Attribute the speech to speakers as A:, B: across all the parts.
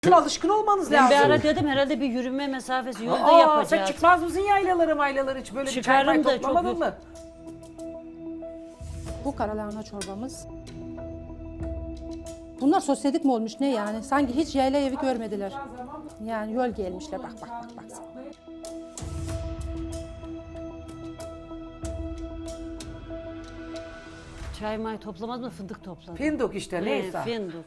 A: Alışkın olmanız
B: Ben
A: lazım.
B: bir ara dedim herhalde bir yürüme mesafesi yolda
A: Sen
B: yapacağız.
A: çıkmaz mısın yaylaları hiç böyle bir çay
B: Çıkarım da
A: toplamadın
B: çok-
A: mı?
C: Bu karalahana çorbamız. Bunlar sosyedik mi olmuş ne yani? Sanki hiç yayla evi görmediler. Yani yol gelmişler bak.
B: Çay may toplamaz mı fındık topladı.
A: Fındık işte neyse.
B: Fındık.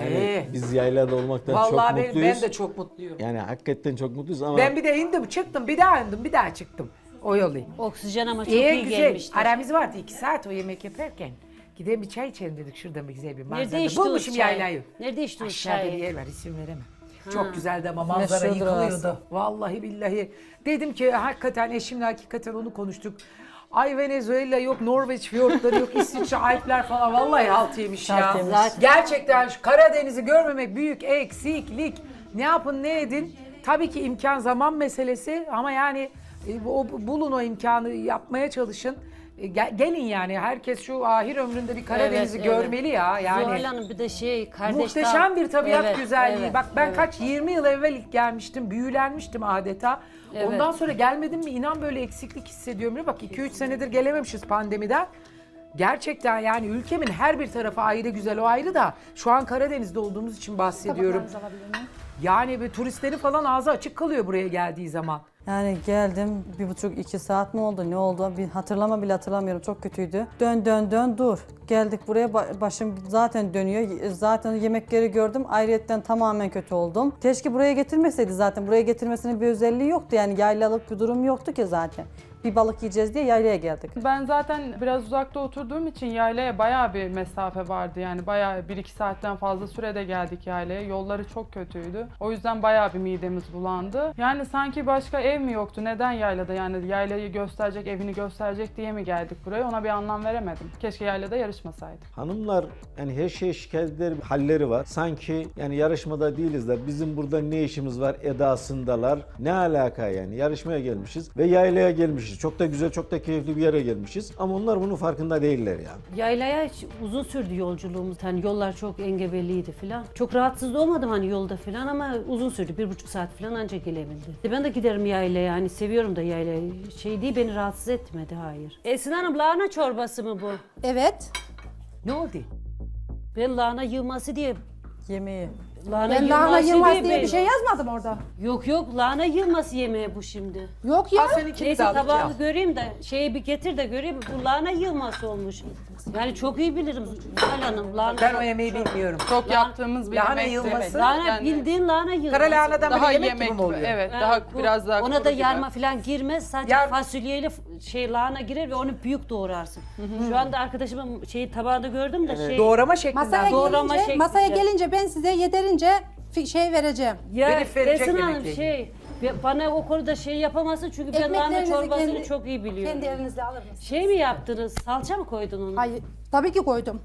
D: Biz yaylada olmaktan
A: Vallahi
D: çok
A: ben
D: mutluyuz.
A: de çok mutluyum.
D: Yani hakikaten çok mutluyuz ama
A: Ben bir de indim çıktım bir daha indim bir daha çıktım. O yolu.
B: Oksijen ama çok iyi
A: Güzel.
B: gelmiştir.
A: Aramız vardı 2 saat o yemek yaparken. Gidelim bir çay içelim dedik şurada bir güzel bir
B: Nerede
A: manzara.
B: içtiniz
A: Bulmuşum
B: çay?
A: yaylayı.
B: Nerede içtiniz
A: Aşağıda bir
B: çayı?
A: yer var isim veremem. Çok güzeldi ama manzara
E: Meşhurdur
A: yıkılıyordu.
E: orası.
A: Vallahi billahi. Dedim ki hakikaten eşimle hakikaten onu konuştuk. Ay Venezuela yok, Norveç fiyortları yok, İsviçre Alpler falan. Vallahi halt yemiş ya.
E: Halt yemiş.
A: Gerçekten şu Karadeniz'i görmemek büyük eksiklik. Ne yapın ne edin. Tabii ki imkan zaman meselesi ama yani bulun o imkanı yapmaya çalışın. Gelin yani herkes şu ahir ömründe bir Karadeniz'i
B: Evet,
A: görmeli ya. Yani
B: Zuhal Hanım bir de kardeş
A: muhteşem bir tabiat
B: Evet,
A: güzelliği.
B: evet,
A: Bak ben
B: evet.
A: kaç 20 yıl evvel ilk gelmiştim, büyülenmiştim adeta.
B: Evet.
A: Ondan sonra gelmedim mi inan böyle eksiklik hissediyorum. Bak 2-3 senedir gelememişiz pandemiden. Gerçekten yani ülkemin her bir tarafı ayrı güzel o ayrı da şu an Karadeniz'de olduğumuz için bahsediyorum.
C: Tabaklarınızı alabilir miyim?
A: Yani bir turistlerin falan ağzı açık kalıyor buraya geldiği zaman.
E: Yani geldim 1,5-2 saat mi oldu ne oldu bir hatırlamıyorum çok kötüydü. Dön dur. Geldik buraya başım zaten dönüyor. Zaten yemekleri gördüm ayrıyetten tamamen kötü oldum. Keşke buraya getirmeseydi zaten. Buraya getirmesinin bir özelliği yoktu yani yaylalık bir durum yoktu ki zaten. Bir balık yiyeceğiz diye yaylaya geldik.
F: Ben zaten biraz uzakta oturduğum için yaylaya bayağı bir mesafe vardı. Yani bayağı 1-2 saatten fazla sürede geldik yaylaya. Yolları çok kötüydü. O yüzden bayağı bir midemiz bulandı. Yani sanki başka ev mi yoktu? Neden yaylada? Yani yaylayı gösterecek, evini gösterecek diye mi geldik buraya? Ona bir anlam veremedim. Keşke yaylada yarışmasaydık.
D: hanımlar yani her şeye şikayet eder halleri var. Sanki yani yarışmada değiliz de bizim burada ne işimiz var edasındalar. Ne alaka yani yarışmaya gelmişiz ve yaylaya gelmişiz. Çok da güzel, çok da keyifli bir yere gelmişiz ama onlar bunun farkında değiller ya.
B: Yaylaya uzun sürdü yolculuğumuz. Hani yollar çok engebeliydi falan. Çok rahatsız olmadım hani yolda falan ama uzun sürdü. 1,5 saat falan ancak gelebildi. Ben de giderim yaylaya. Hani seviyorum da yaylayı. Değil beni rahatsız etmedi hayır. Esin Hanım lahana çorbası mı bu?
C: Evet.
A: Ne oldu?
B: Ben lahana yığması diye
E: Yemeği.
C: Ben lahana yılmaz diye
B: ben-
C: bir şey yazmadım orada.
B: Yok lahana yılması yemeği bu şimdi.
C: Yok ya.
A: Al seninkini de
B: Neyse
A: alacağım.
B: tabağını göreyim de bir getir de göreyim. Bu lahana yılması olmuş. Yani çok iyi bilirim Zuhal Hanım. Lahana
A: Ben o yemeği bilmiyorum.
F: Çok yaptığımız bir
A: lahana
F: yemekti.
A: yılması.
B: Lahana
F: Yani
B: bildiğin lahana yılması.
A: Kara lahanadan
F: daha
A: böyle yemek,
F: yemek
A: gibi mi oluyor?
F: Evet,
B: Ha,
F: daha
B: bu-
F: biraz daha
B: ona
F: kuru
B: da
F: gibi.
B: yarma falan girmez. Sadece
A: Yar-
B: fasulyeyle lahana girer ve onu büyük doğrarsın. Şu anda arkadaşımın tabağında gördüm de
A: Doğrama şeklinde.
C: Masaya
B: Doğrama
C: gelince,
B: şeklinde.
C: masaya gelince ben size yeterince şey vereceğim.
B: Ya
A: Verip verecek
B: Esin Hanım
A: yemekle
B: bana o konuda yapamazsın çünkü ben lahana
C: Ekmeklerinizi
B: çorbasını çok iyi biliyorum.
C: Kendi elinizle alır mısınız?
B: Mi yaptınız? Salça mı koydun onu?
C: Hayır. Tabii ki koydum.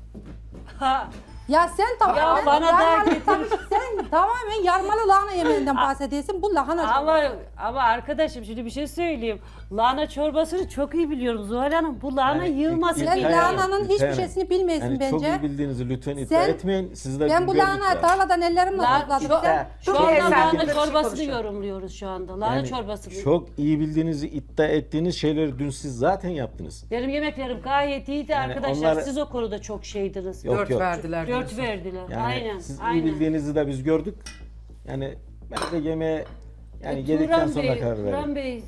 B: Ha,
C: Ya sen tamamen
B: Ya bana da
C: yarmalı-
B: getir.
C: sen tamamen yarmalı lahana yemeğinden bahsediyorsun. Bu lahana çorbası.
B: ama arkadaşım şimdi bir şey söyleyeyim. Lahana çorbasını çok iyi biliyorum Zuhal Hanım. Bu lahana
D: Yani
B: yığması
D: İlkay
C: Sen
B: değil.
D: Hanım,
C: lahananın
D: İlkay
C: hiçbir
D: Hanım.
C: şeysini bilmiyorsun
D: Yani çok
C: bence.
D: iyi bildiğinizi lütfen iddia
C: Sen-
D: etmeyin. Siz de
C: Ben bu
D: gördük
C: lahana
D: ya.
C: tarladan ellerimle topladım. Sen
B: Şu
A: Dur
B: anda
A: bir efendim,
B: lahana
A: dur,
B: çorbasını
A: konuşalım.
B: yorumluyoruz şu anda. Lahana
D: Yani
B: çorbasını.
D: çok iyi bildiğinizi iddia ettiğiniz şeyleri dün siz zaten yaptınız.
B: Benim yemeklerim gayet iyiydi arkadaşlar.
D: onlar-
B: Siz o konuda çok şeydiniz.
D: Yok,
A: 4
D: yok.
A: verdiler.
B: 4
A: diyorsun.
B: verdiler.
D: Yani
B: aynen.
D: siz iyi
B: aynen.
D: bildiğinizi de biz gördük. Yani ben de yemeğe yani geldikten
B: Turan
D: sonra
B: Bey,
D: karar
B: Turan
D: verdim.
B: Bey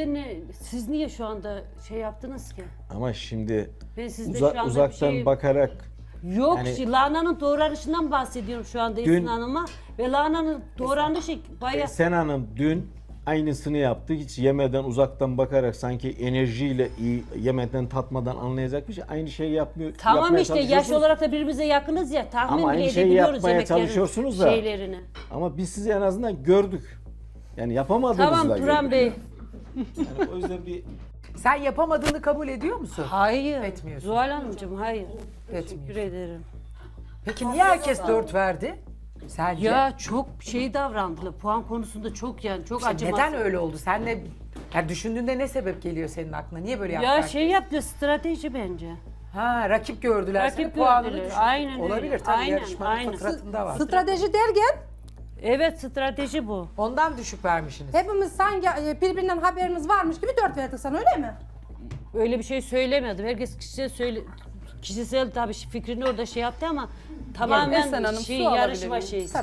B: siz niye şu anda yaptınız ki?
D: Ama şimdi
B: Ben sizde şu anda bir
D: uzaktan
B: şey-
D: bakarak
B: Yok,
D: Yani-
B: lahananın doğranışından bahsediyorum şu anda
D: Dün-
B: Esin Hanım'a. Ve lahananın doğranışı bayağı...
D: Sen Hanım dün aynısını yaptı. Hiç yemeden uzaktan bakarak sanki enerjiyle iyi yemeden tatmadan anlayacakmış. Aynı şeyi yapmıyor.
B: Tamam
D: yapmaya
B: işte yaş
D: çalışıyorsunuz.
B: olarak da birbirimize yakınız ya. Tahmin
D: Ama aynı
B: bile
D: şeyi
B: edebiliyoruz
D: yapmaya
B: yemeklerin
D: çalışıyorsunuz da.
B: şeylerini.
D: Ama biz sizi en azından gördük. Yani yapamadığınızı
B: Tamam
D: da
B: Turan
D: gördük.
B: Bey.
D: Yani o yüzden bir
A: Sen yapamadığını kabul ediyor musun?
B: Hayır.
A: Etmiyorsun.
B: Zuhal Hanımcığım hayır.
A: Etmiyorsun.
B: Teşekkür ederim.
A: Peki niye herkes 4 verdi? Sence?
B: Ya çok davrandılar. Puan konusunda çok çok
A: İşte
B: acımasız.
A: neden öyle oldu? Sen ne yani düşündüğünde ne sebep geliyor senin aklına? Niye böyle yaptılar?
B: Ya yaptı strateji bence.
A: Ha rakip gördüler.
B: Rakip
A: seni, puanını
B: gördüler.
A: düşürdüler.
B: Aynen öyle.
A: Olabilir tabii
B: Aynen,
A: yarışmanın
B: aynen.
A: fıtratında var.
C: strateji derken
B: Evet, strateji bu.
A: Ondan düşük vermişsiniz.
C: Hepimiz sanki birbirinden haberimiz varmış gibi 4 verdik sana öyle mi?
B: Öyle bir şey söylemedim. Herkes kişisel tabii fikrini orada şey yaptı ama
F: Esen
B: tamamen
F: Hanım,
B: şey,
F: su alabilir
B: yarışma
F: miyim?
B: şeysi.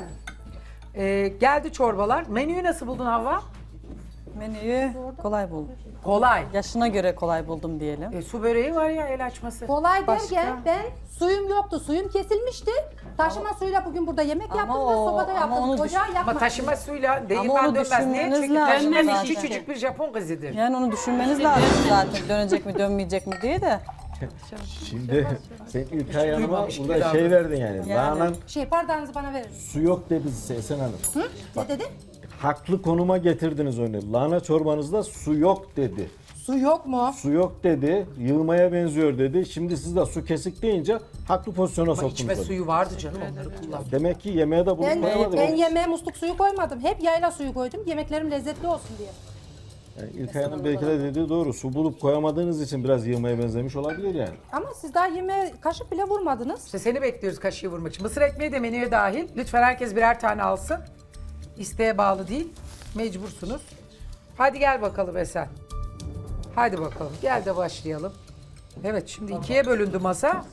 A: Geldi çorbalar. Menüyü nasıl buldun Havva?
E: Menüyü kolay buldum.
A: Kolay.
E: Yaşına göre kolay buldum diyelim.
A: Su böreği var ya, el açması.
C: Kolay
A: Başka?
C: derken ben suyum yoktu. Suyum kesilmişti. Taşıma suyla bugün burada yemek
E: Ama
C: yaptım ve
E: o-
C: sobada
E: ama
C: yaptım.
E: onu
C: Ocağı
A: Ama
C: yakmadım.
A: taşıma suyla
E: onu
A: değirmen dönmez. Niye?
E: düşünmeniz
A: Çünkü
E: lazım
A: taşıma
B: zaten.
A: küçücük bir Japon kızıdır.
E: Yani onu düşünmeniz lazım zaten dönecek mi dönmeyecek mi diye de.
D: Şimdi sen İlkay Hanım'a
A: duymamış gibi
D: burada şey verdin yani. Lahananın
C: Bardağınızı bana verin.
D: su yok dedi Esen Hanım.
C: Ne dedi?
D: Haklı konuma getirdiniz onu. Lahana çorbanızda su yok dedi.
C: Su yok mu?
D: Su yok dedi, yığmaya benziyor dedi. Şimdi siz de su kesik deyince haklı pozisyona
A: Ama
D: soktunuz.
A: içme
D: onu.
A: suyu vardı canım, onları kullan.
D: Demek ki yemeğe de bunu
C: Ben
D: koyamadınız.
C: yemeğe musluk suyu koymadım. Hep yayla suyu koydum. Yemeklerim lezzetli olsun diye.
D: Yani İlkay Hanım belki de dediği doğru. Su bulup koyamadığınız için biraz yığmaya benzemiş olabilir yani.
C: Ama siz daha yemeğe kaşık bile vurmadınız.
A: İşte seni bekliyoruz kaşığı vurmak için. Mısır ekmeği de menüye dahil. Lütfen herkes birer tane alsın. İsteğe bağlı değil. Mecbursunuz. Hadi gel bakalım Esen. Hadi bakalım. Gel de başlayalım. Evet, şimdi ikiye bölündü masa.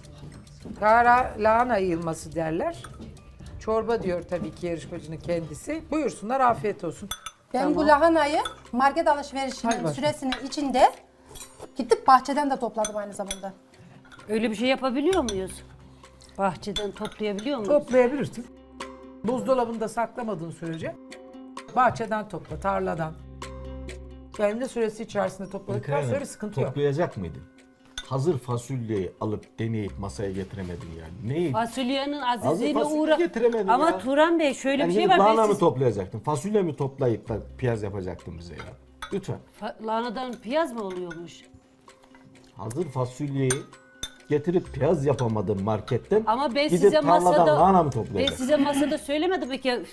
A: Kara lahana yığılması derler. Çorba diyor tabii ki yarışmacının kendisi. Buyursunlar, afiyet olsun.
C: Ben bu lahanayı market
A: Hadi
C: alışverişinin
A: bakalım.
C: süresinin içinde gittik bahçeden de topladım aynı zamanda.
B: Öyle bir şey yapabiliyor muyuz? Bahçeden toplayabiliyor muyuz?
A: Toplayabilirsin. Buzdolabında saklamadığın sürece bahçeden topla, tarladan. Kendi süresi içerisinde topladıktan sonra bir sıkıntı yok.
D: Toplayacak mıydın? Hazır fasulyeyi alıp deneyip masaya getiremedin yani. Neyi?
B: Fasulyenin
D: Hazır
B: azizliğine
D: fasulye getiremedin
B: Ama
D: ya.
B: Turan Bey şöyle
D: Yani
B: bir şey
D: gidip
B: var.
D: lahana
B: Ben
D: mı toplayacaktın? Fasulye mi toplayıp da piyaz yapacaktın bize ya? Lütfen.
B: Lahanadan piyaz mı oluyormuş?
D: Hazır fasulyeyi getirip piyaz yapamadın marketten.
B: Ama ben
D: gidip
B: size
D: tarladan
B: masada
D: lahana mı
B: ben
D: toplayacaksın?
B: size masada söylemedim mi ki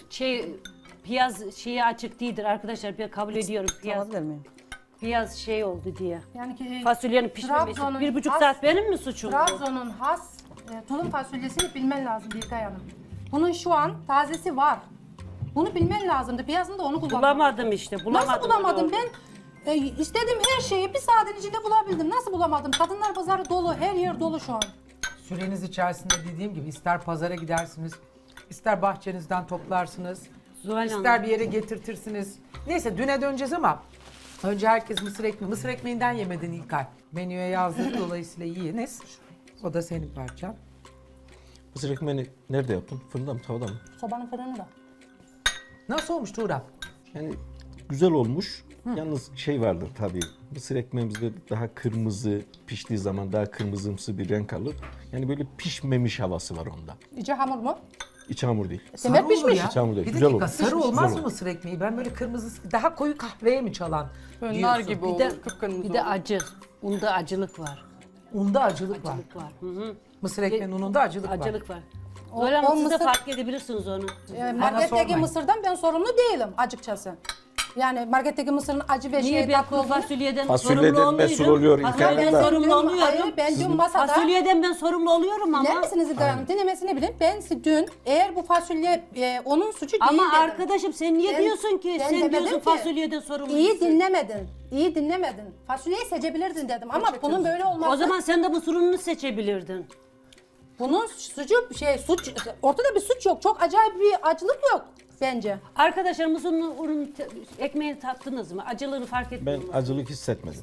B: piyaz şeyi açık değildir arkadaşlar. Ben kabul ediyorum piyaz.
E: Alabilir miyim?
B: Piyaz şey oldu diye.
C: Yani ki
B: Fasulyenin pişmemesi.
C: Trabzon'un
B: 1,5
C: has-
B: saat benim mi suçum?
C: Trabzon'un has tulum fasulyesini bilmen lazım Bilkay Hanım. Bunun şu an tazesi var. Bunu bilmen lazımdı. Piyasında onu kullandım.
B: Bulamadım işte. Bulamadım.
C: Nasıl bulamadım?
B: Öyle oldu.
C: Ben istediğim her şeyi bir saatin içinde bulabildim. Nasıl bulamadım? Kadınlar pazarı dolu, her yer dolu şu an.
A: Süreniz içerisinde dediğim gibi ister pazara gidersiniz, ister bahçenizden toplarsınız,
B: Zuhal
A: ister
B: Hanım.
A: bir yere getirtirsiniz. Neyse düne döneceğiz ama önce herkes mısır ekmeği. Mısır ekmeğinden yemedin İlkay. Menüye yazdık, dolayısıyla yiyiniz. O da senin parçan.
D: Mısır ekmeğini nerede yaptın? Fırında mı, tavada mı?
C: Sobanın fırını da.
A: Nasıl olmuş Tuğra?
D: Yani güzel olmuş. Yalnız şey vardır tabii. Mısır ekmeğimizde daha kırmızı, piştiği zaman daha kırmızımsı bir renk alır. Yani böyle pişmemiş havası var onda.
C: İçi hamur mu?
D: İç hamur değil.
C: Demek
A: Sarı olur
C: pişmiş.
A: ya.
D: Çamur değil,
A: Bir
D: güzel
A: dakika,
D: olur.
A: sarı
D: Pişmiş,
A: olmaz
D: güzel
A: mı
D: olur.
A: mısır ekmeği? Ben böyle kırmızı, daha koyu kahveye mi çalan
F: Böyle nar
A: diyorsun?
F: gibi
B: Bir
F: olur,
B: de,
F: kıpkırmızı
B: bir de
F: olur.
B: acı. Unda acılık var.
A: Unda acılık var.
B: Acılık var. Hı hı.
A: Mısır ekmeğinin ununda acılık var.
B: Acılık var.
C: O-
B: Öyle ama
C: o
B: siz de
C: mısır-
B: fark edebilirsiniz onu.
C: Marketteki
A: sormayın.
C: mısırdan ben sorumlu değilim açıkçası. Yani marketteki mısırın acı ve
B: Niye
C: şey
B: ben
C: tatlı
B: kuru
C: olduğunu...
B: fasulyeden
D: Fasulyeden
B: sorumlu
D: mesul
B: olmuyorum.
D: oluyor
B: Fasulyeden
D: İlkay Hanım da.
B: sorumlu oluyorum.
C: Hayır, ben dün masada...
B: Fasulyeden ben sorumlu oluyorum ama.
C: Dinler misiniz İlkay Hanım? Dinlemesini bilin. Ben dün eğer bu fasulye onun suçu değil
B: Ama
C: dedim.
B: arkadaşım sen niye
C: Ben-
B: diyorsun ki?
C: ben
B: Sen
C: demedim
B: diyorsun
C: ki.
B: fasulyeden sorumlusun.
C: İyi dinlemedin. İyi dinlemedin. Fasulyeyi seçebilirdin dedim ama bunun böyle olması...
B: O zaman sen de bu sorununu seçebilirdin.
C: Bunun suçu suç ortada bir suç yok. Çok acayip bir acılık yok bence.
B: Arkadaşlar mısırın ekmeğini tattınız mı? Acılığını fark
D: Ben
B: ettiniz mi?
D: acılık hissetmedim.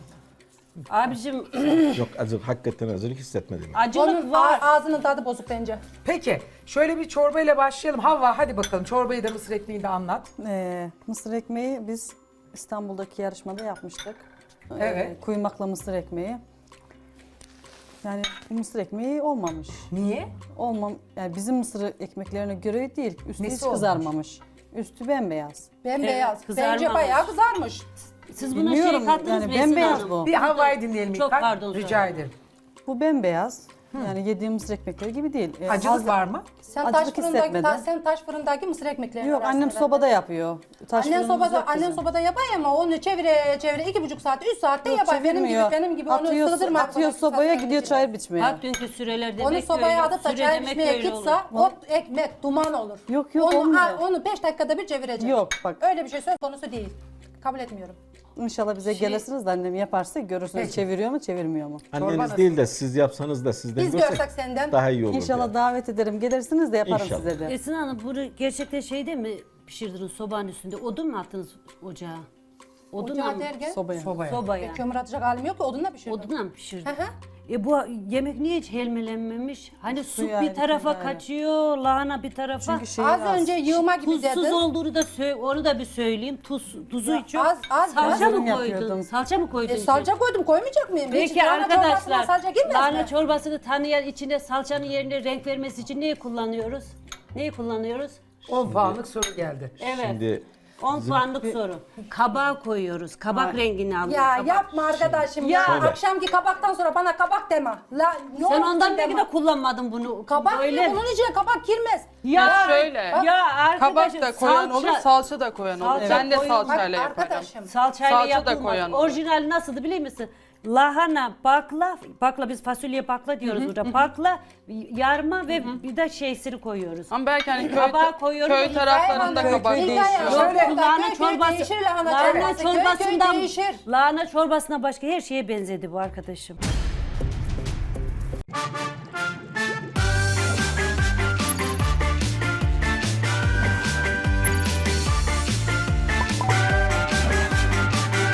B: Abicim
D: Yok acılık, hakikaten acılık hissetmedim.
B: acılık
C: Onun
B: var.
C: ağzının tadı bozuk bence.
A: Peki şöyle bir çorbayla başlayalım. Havva hadi bakalım çorbayı da mısır ekmeğini de anlat.
E: Mısır ekmeği biz İstanbul'daki yarışmada yapmıştık.
A: Evet.
E: Kuymakla mısır ekmeği. Yani bu mısır ekmeği olmamış.
A: Niye?
E: Yani bizim mısır ekmeklerine göre değil. Üstü
A: Nesi
E: hiç
A: olmamış?
E: kızarmamış. Üstü bembeyaz.
C: Bembeyaz.
B: Evet,
C: Bence
B: kızarmamış.
C: bayağı kızarmış.
B: Siz buna
E: Bilmiyorum,
B: şey kattınız
E: yani
B: mı Esin
E: bembeyaz
B: Hanım?
E: bu.
A: Bir Havva'yı dinleyelim
B: Çok
A: İlkay.
B: pardon,
A: Rica
B: söyle.
A: ederim.
E: Bu bembeyaz. Yani yediğim mısır ekmekleri gibi değil.
A: Acılık var mı?
C: Sen taş
E: Acılık
C: fırındaki
E: hissetmedim.
C: sen taş fırındaki mısır ekmeklerini
E: Yok
C: arasında
E: annem
C: ver.
E: sobada yapıyor. Taş
C: Annen
E: fırınımız
C: sobada,
E: yok
C: annen
E: bizim.
C: sobada yapar ama onu çevire 2,5 saat, 3 saatte
E: Yok,
C: yapar.
E: çevirmiyor.
C: Benim gibi onu
E: atıyor,
C: sığdırma.
E: atıyor
C: arkadaşlar,
E: sobaya
C: sen
E: gidiyor
C: içine.
E: çay biçmeye.
B: Bak dünkü süreler demek
C: Onu sobaya
B: öyle.
C: atıp da
B: Süre
C: çay
B: demek
C: içmeye
B: öyle
C: gitse
B: olur.
C: o ekmek duman olur.
E: Yok, yok,
C: onu,
E: olmuyor.
C: onu 5 dakikada bir çevirecek.
E: Yok, bak.
C: Öyle bir şey söz konusu değil. Kabul etmiyorum.
E: İnşallah bize gelirsiniz de annem yaparsa görürsünüz
A: Peki.
E: çeviriyor mu çevirmiyor mu?
D: Anneniz
A: nasıl?
D: değil de siz yapsanız da sizden
C: Biz
D: görsek
C: görsek senden.
D: daha iyi olur.
E: İnşallah
D: yani.
E: davet ederim. Gelirsiniz de yaparım
D: İnşallah.
E: size de.
B: Esin Hanım bunu gerçekten şeyde mi pişirdiniz sobanın üstünde? Odun mu attınız ocağa? Odunla
C: Ocağı
B: mı?
C: derken
E: Sobaya.
A: Sobaya.
B: Sobaya.
C: kömür atacak halim yok ki odunla pişirdim.
B: Odunla mı pişirdin?
C: Hı hı.
B: Bu yemek niye hiç helmelenmemiş? Hani su
E: Suyu ayrı,
B: bir tarafa
E: tuzu ayrı.
B: kaçıyor, lahana bir tarafa.
E: Çünkü şey
C: Az önce yığma gibi
B: Tuzsuz
C: dedin.
B: olduğunu da onu da bir söyleyeyim. Tuzu
C: Ya
B: çok.
C: az
B: Salça
E: yorum
B: mı koydun?
E: yapıyordum.
B: Salça mı koydun?
C: Salça koydum koymayacak mıyım? Hiç
B: Peki
C: lahana çorbasına
B: arkadaşlar,
C: salça girmez
B: lahana
C: mi?
B: çorbasını tanıyan içine salçanın yerine renk vermesi için neyi kullanıyoruz? Neyi kullanıyoruz?
A: 10 puanlık soru geldi.
B: Evet.
D: Şimdi
B: 10 puanlık soru. Kabağı koyuyoruz. Kabak rengini alıyor.
C: Ya
B: kabak.
C: yapma arkadaşım ya.
D: Şöyle.
C: Akşamki kabaktan sonra bana kabak deme. Ne
B: Sen
C: olur
B: ondan
C: deme.
B: belki de kullanmadın bunu.
C: Kabak
B: Böyle.
C: ne? Bunun içine kabak girmez.
B: Ya
F: Şöyle.
B: Ya arkadaşım
F: Kabak da koyan olur, salça da koyan olur.
B: Salça
F: Ben de
B: koyun-
F: salçayla
C: Bak
F: yaparım.
C: arkadaşım.
B: salçayla
F: Salça da
B: yapılmaz.
F: koyan olur.
B: Orijinali nasıldı biliyor musun? Lahana, bakla biz fasulye bakla diyoruz burada. Bakla, yarma ve bir de şeysini koyuyoruz.
F: Ama belki hani
B: Kabağı koyuyorum.
F: köy taraflarında
E: Köy
F: kabak
E: değişiyor.
F: değişiyor.
A: Şöyle,
B: Lahana çorbası,
C: değişir lahana
B: lahana
C: çorbası. Köy
B: çorbasından,
C: değişir.
B: lahana çorbasına başka her şeye benzedi bu arkadaşım.